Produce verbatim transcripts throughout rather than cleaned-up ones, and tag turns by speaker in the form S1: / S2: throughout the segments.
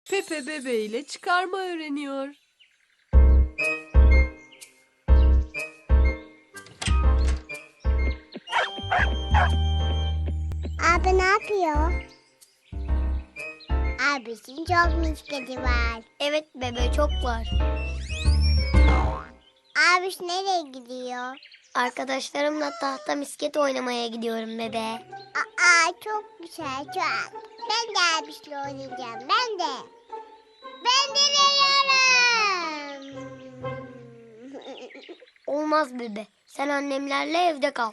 S1: Pepe bebeğiyle çıkarma öğreniyor.
S2: Abi ne yapıyor? Abisinin çok misketi var.
S3: Evet bebe, çok var.
S2: Abiş nereye gidiyor?
S3: Arkadaşlarımla tahta misket oynamaya gidiyorum bebe.
S2: Aa çok güzel çok. Ben de abişle oynayacağım. Ben de. Ben de veriyorum.
S3: Olmaz bebe. Sen annemlerle evde kal.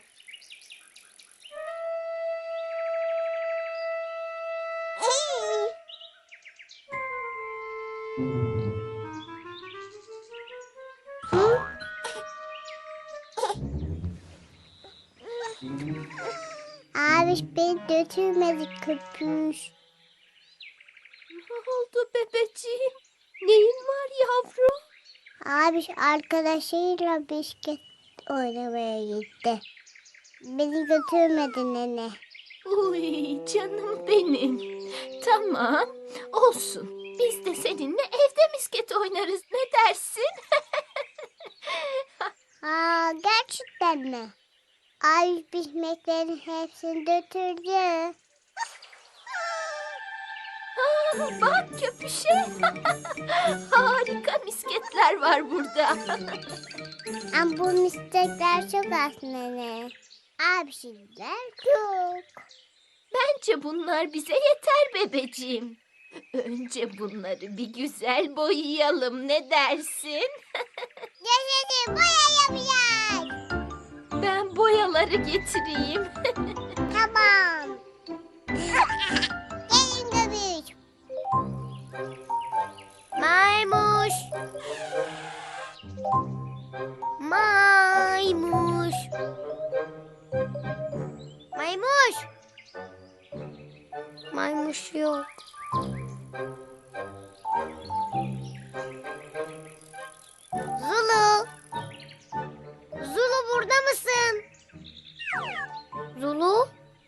S2: Abiş beni götürmedi köpüş.
S1: Ne oldu bebeciğim? Neyin var yavrum?
S2: Abiş arkadaşıyla bisiklet oynamaya gitti. Beni götürmedi nene.
S1: Uy canım benim. Tamam olsun. Biz de seninle evde misket oynarız. Ne dersin?
S2: Aa gerçekten mi? Abiş bisikletlerin hepsini götürdü.
S1: Aa, bak köpüşe. Harika misketler var burada.
S2: Ama bu mistekler çok az nene. Abişler çok.
S1: Bence bunlar bize yeter bebeciğim. Önce bunları bir güzel boyayalım. Ne dersin?
S2: Yaşasın boyayabilir.
S1: Ben boyaları getireyim.
S2: Tamam. Gelin göbüş.
S3: Maymuş. Maymuş. Maymuş. Maymuş yok. Zulu. Zulu burada mısın? Zulu?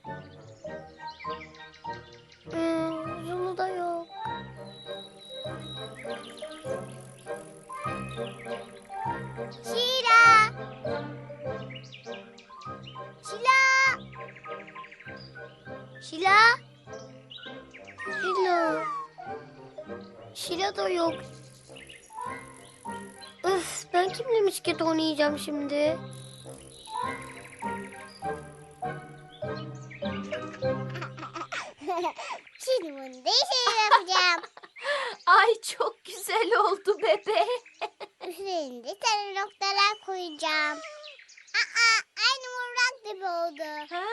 S3: Hmm, Zulu da yok.
S2: Şila. Şila.
S3: Şila? Şila. Şila da yok. Öf, ben kimle misket oynayacağım şimdi?
S2: Şimdi bunu değişik yapacağım.
S1: Ay çok güzel oldu bebe.
S2: Üstlerinde sarı noktalar koyacağım. Aa, aynı mırrak gibi oldu.
S1: Ha,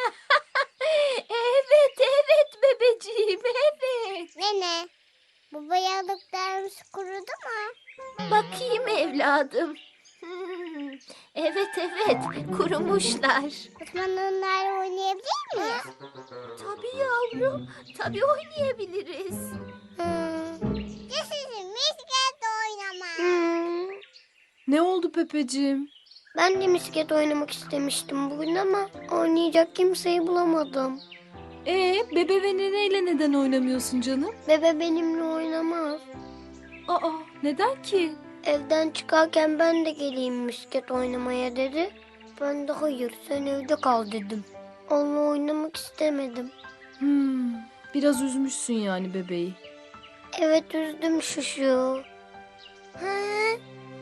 S1: evet evet bebeciğim evet.
S2: Nene, bu boyalıklarımız kurudu mu?
S1: Bakayım evladım. Hmm, evet evet kurumuşlar.
S2: O zaman onlarla oynayabilir miyiz?
S1: Tabii yavrum tabii oynayabiliriz.
S3: Hmm.
S2: Yaşasın misket oynama.
S3: Hmm.
S1: Ne oldu Pepeciğim?
S3: Ben de misket oynamak istemiştim bugün ama oynayacak kimseyi bulamadım.
S1: Ee, bebe ve neneyle neden oynamıyorsun canım?
S3: Bebe benimle oynamaz.
S1: Aa, neden ki?
S3: Evden çıkarken ben de geleyim misket oynamaya dedi. Ben de hayır, sen evde kal dedim. Onunla oynamak istemedim.
S1: Hmm, biraz üzmüşsün yani bebeği.
S3: Evet, üzdüm şuşu.
S1: He?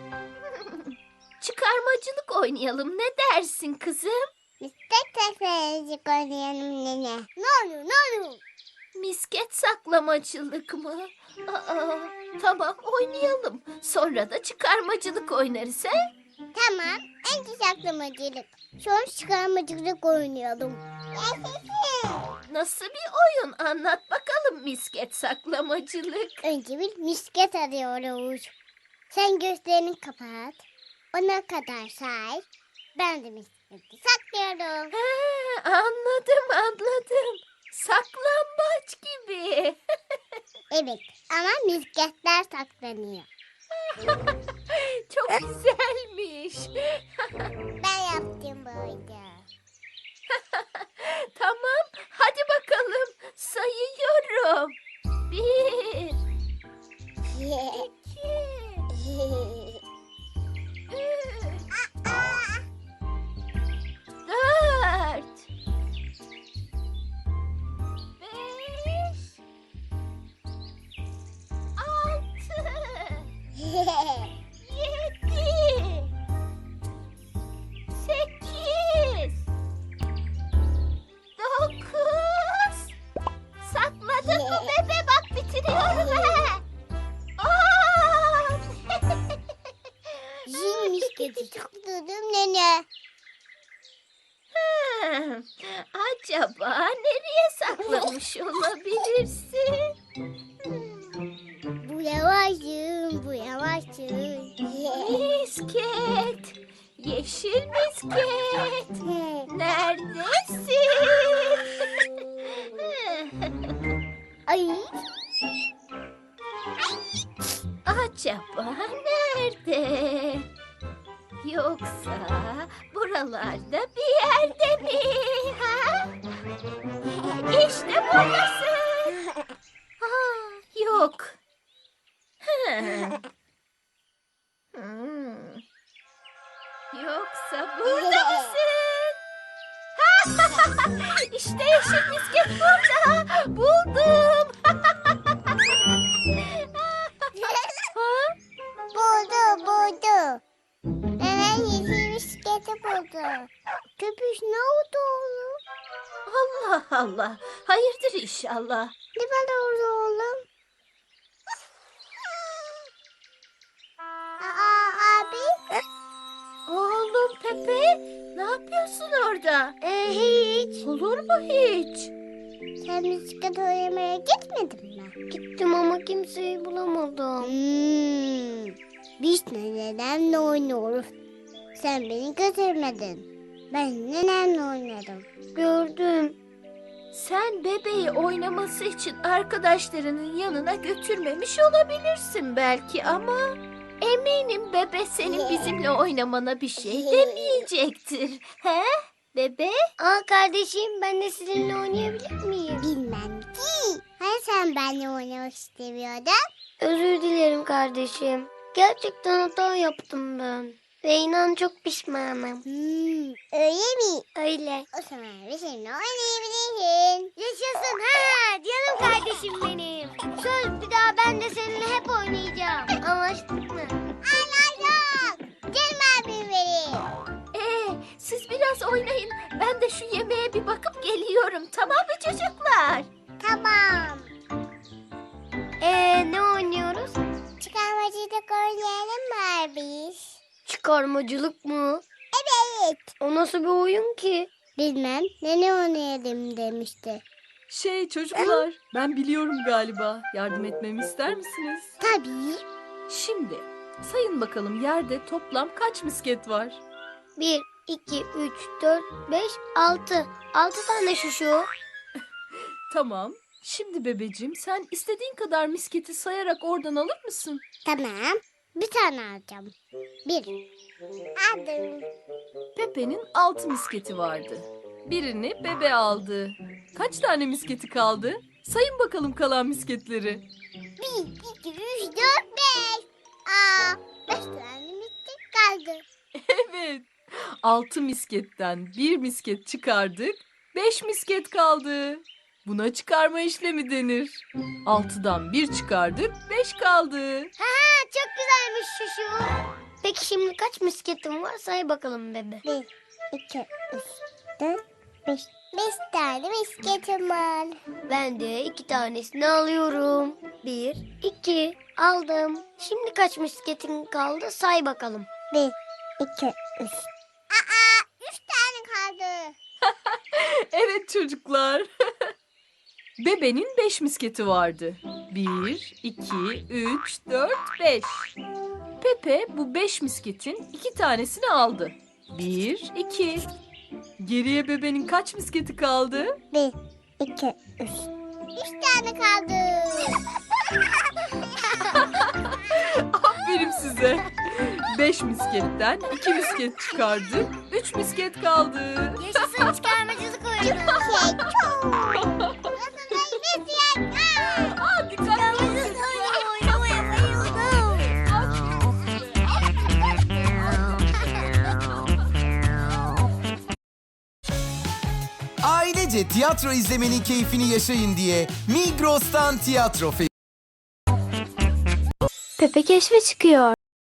S1: Çıkarmacılık oynayalım. Ne dersin kızım?
S2: Misket teferecik oynayalım nene. Ne olur ne olur.
S1: Misket saklamacılık mı? Aa, tamam oynayalım. Sonra da çıkarmacılık oynarız he?
S2: Tamam, önce saklamacılık. Sonra çıkarmacılık oynayalım. Yaşasın.
S1: Nasıl bir oyun? Anlat bakalım misket saklamacılık.
S2: Önce bir misket arıyoruz. Sen gözlerini kapat. Ona kadar say. Ben de misketi saklıyorum.
S1: He, anladım anladım. Saklambaç gibi.
S2: Evet ama misketler saklanıyor.
S1: Çok güzelmiş.
S2: Ben yaptım böyle.
S1: Tamam, hadi bakalım. Sayıyorum. Bir, Yedi. Sekiz. Dokuz. Sakladın mı bebe? Bak bitiriyorum he. On.
S2: Zil misketi sakladım nene.
S1: Hmm, acaba nereye saklamış olabilirsin? Hmm,
S2: Bu yavaşım, bu yavaşım.
S1: Misket, yeşil misket, neredesin?
S2: Ay,
S1: Acaba nerede? Yoksa buralarda bir yerde mi? Ha? İşte buradasın. Aa, yok. Hmm. Hmm. Yoksa burada mısın? İşte yeşil misket burada. Buldum. Ha?
S2: buldu, buldu. Nenen yeşil misketi buldu. Köpüş ne oldu oğlum?
S1: Allah Allah. Hayırdır inşallah.
S2: Ne var orada oğlum? Aa, abi.
S1: Oğlum Pepe, ne yapıyorsun orada?
S2: Ee, hiç.
S1: Olur mu hiç?
S2: Sen bisiklet oynamaya gitmedin mi?
S3: Gittim ama kimseyi bulamadım.
S2: Hmm. Biz nenemle oynuyoruz. Sen beni götürmedin. Ben nenemle oynadım.
S3: Gördüm.
S1: Sen bebeği oynaması için arkadaşlarının yanına götürmemiş olabilirsin belki ama eminim bebe senin bizimle oynamana bir şey demeyecektir. He? Bebe?
S3: Aa kardeşim, ben de sizinle oynayabilir miyim?
S2: Bilmem ki. Hani sen benimle oynamak istemiyordun?
S3: Özür dilerim kardeşim. Gerçekten hata yaptım ben. Ve inan çok pişmanım.
S2: Hmm, öyle mi?
S3: Öyle.
S2: O zaman bizimle oynayabilirsin.
S3: Yaşasın ha canım kardeşim benim. Söz, bir daha ben de seninle hep oynayacağım. Anlaştık mı?
S2: Anladım. Canım abim benim.
S1: Ee, siz biraz oynayın. Ben de şu yemeğe bir bakıp geliyorum. Tamam mı çocuklar?
S2: Tamam.
S3: Ee ne oynuyoruz?
S2: Çıkarmacılık oynayalım mı biz?
S3: Çıkarmacılık mı?
S2: Evet.
S3: O nasıl bir oyun ki?
S2: Bilmem. Nene oynayalım demişti.
S4: Şey çocuklar, ben biliyorum galiba. Yardım etmemi ister misiniz?
S2: Tabii.
S4: Şimdi sayın bakalım yerde toplam kaç misket var?
S3: Bir, iki, üç, dört, beş, altı. Altı tane şuşu.
S4: Tamam. Şimdi bebeciğim sen istediğin kadar misketi sayarak oradan alır mısın?
S2: Tamam. Bir tane alacağım. Bir. Aldım.
S4: Pepe'nin altı misketi vardı. Birini bebe aldı. Kaç tane misketi kaldı? Sayın bakalım kalan misketleri.
S2: Bir, iki, üç, dört, beş. Aa, beş tane misket kaldı.
S4: Evet. Altı misketten bir misket çıkardık. Beş misket kaldı. Buna çıkarma işlemi denir. Altıdan bir çıkardık, beş kaldı.
S3: Ha, çok güzelmiş şuşu. Peki şimdi kaç misketim var, say bakalım bebe.
S2: Bir, iki, üç, dört, beş. Beş tane misketim var.
S3: Ben de iki tanesini alıyorum. Bir, iki, aldım. Şimdi kaç misketin kaldı, say bakalım.
S2: Bir, iki, üç. Aa, üç tane kaldı.
S4: Evet çocuklar. Bebenin beş misketi vardı. Bir, iki, üç, dört, beş. Pepe bu beş misketin iki tanesini aldı. Bir, iki. Geriye bebenin kaç misketi kaldı?
S2: Bir, iki, üç. Üç tane kaldı.
S4: Aferin size. Beş misketten iki misket çıkardık. Üç misket kaldı.
S3: Yaşasın çıkarmacılık oyunu.
S2: Şey çok. Misket.
S4: Aa, dikkatli olun.
S3: Oynamaya bayıldım.
S5: Ailece tiyatro izlemenin keyfini yaşayın diye Migros'tan tiyatro fe- Pepe keşfe çıkıyor.